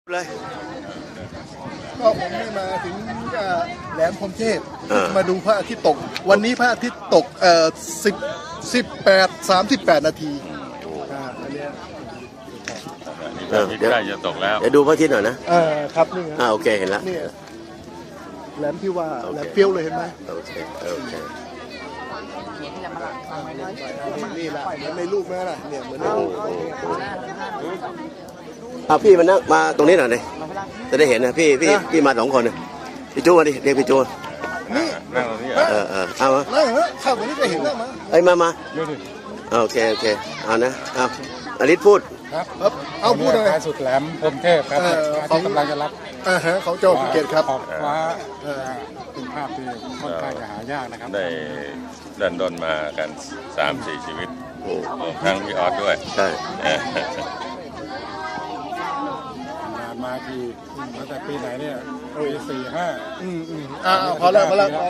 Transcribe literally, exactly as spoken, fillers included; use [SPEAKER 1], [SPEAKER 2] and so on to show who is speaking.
[SPEAKER 1] เลย
[SPEAKER 2] ก็ผมได้มาถึงแหลมพรหมเทพมาดูพระอาทิตย์ตกวันนี้พระอาทิตย์ตกเอ่อสิบสิบแปดสามสิบแปดนาทีอ่าอันเนี้ย
[SPEAKER 3] เดี๋ยวใกล้จะตกแล้ว
[SPEAKER 1] เดี๋ยวดูพระอาทิตย์หน่อยนะ
[SPEAKER 2] เออครับนี่ไง
[SPEAKER 1] อ่าโอเคเห็นแล้ว
[SPEAKER 2] นี่แหลมที่ว่าแหลมเปรี้ยวเลยเห็นไหม
[SPEAKER 1] โอเคโอเค
[SPEAKER 2] นี่แหละเหมือนในรูปแม่ล่ะเนี่ยเหมือนในรูป
[SPEAKER 1] เอาพี่มานั่งมาตรงนี้หน่อยเลยจะได้เห็นนะพี่พี่พี่มาสองคนนะพี่จูมาดิเรียกพี่จู
[SPEAKER 2] นี่
[SPEAKER 3] นั่งตรงนี้
[SPEAKER 1] เออเออเอามา
[SPEAKER 2] นั่งเหรอเข้าไปนี่ก็เห็นแล้วมั้ง
[SPEAKER 1] เอ้ยมามาโอเคโอเคเอานะเอาอลิศพูด
[SPEAKER 4] ครับ
[SPEAKER 2] ครับเอาพูดเลย
[SPEAKER 4] ท้ายสุดแหลมพรหมเทพครับ
[SPEAKER 2] เออ
[SPEAKER 4] ที่กำลังจะรับ
[SPEAKER 2] อ่าฮะเขาเจ้าภูเก็ตครับ
[SPEAKER 4] ขอบฟ้าเอ่อเป็นภาพที่ค่อนข้างจะหายากนะครับ
[SPEAKER 3] ได้ดันดนมากันสามสี่ชีวิต
[SPEAKER 1] โอ้
[SPEAKER 3] รวมทั้งพี่ออสด้วย
[SPEAKER 1] ใช่
[SPEAKER 3] เออ
[SPEAKER 4] มาทีตั้งแต่ปีไหนเนี่ยปีสี่ห้า
[SPEAKER 2] อืมอืมอ่าพอแล้วพอแล้ว